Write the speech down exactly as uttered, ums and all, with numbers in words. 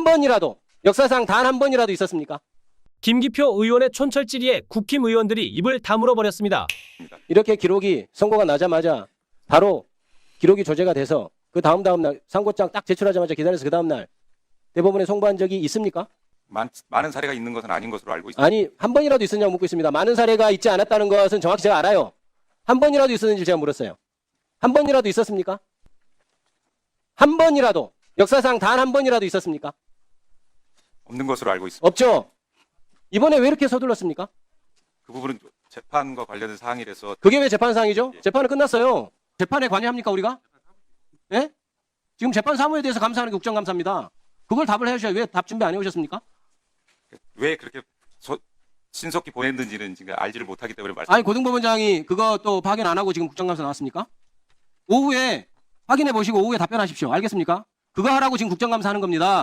한 번이라도 역사상 단 한 번이라도 있었습니까? 김기표 의원의 촌철질의에 국힘 의원들이 입을 다물어 버렸습니다. 이렇게 기록이 선고가 나자마자 바로 기록이 조제가 돼서 그 다음 다음 날 상고장 딱 제출하자마자 기다려서 그 다음 날 대법원에 송부한 적이 있습니까? 많, 많은 사례가 있는 것은 아닌 것으로 알고 있습니다. 아니 한 번이라도 있었냐고 묻고 있습니다. 많은 사례가 있지 않았다는 것은 정확히 제가 알아요. 한 번이라도 있었는지 제가 물었어요. 한 번이라도 있었습니까? 한 번이라도 역사상 단 한 번이라도 있었습니까? 없는 것으로 알고 있습니다. 없죠. 이번에 왜 이렇게 서둘렀습니까? 그 부분은 재판과 관련된 사항이라서 그게 왜 재판 사항이죠? 재판은 끝났어요. 재판에 관여합니까 우리가? 예? 지금 재판 사무에 대해서 감사하는 게 국정감사입니다. 그걸 답을 해주셔야 왜 답 준비 안 해오셨습니까? 왜 그렇게 소, 신속히 보냈는지는 지금 알지를 못하기 때문에 말씀. 아니 고등법원장이 그거 또 확인 안 하고 지금 국정감사 나왔습니까? 오후에 확인해 보시고 오후에 답변하십시오. 알겠습니까? 그거 하라고 지금 국정감사 하는 겁니다.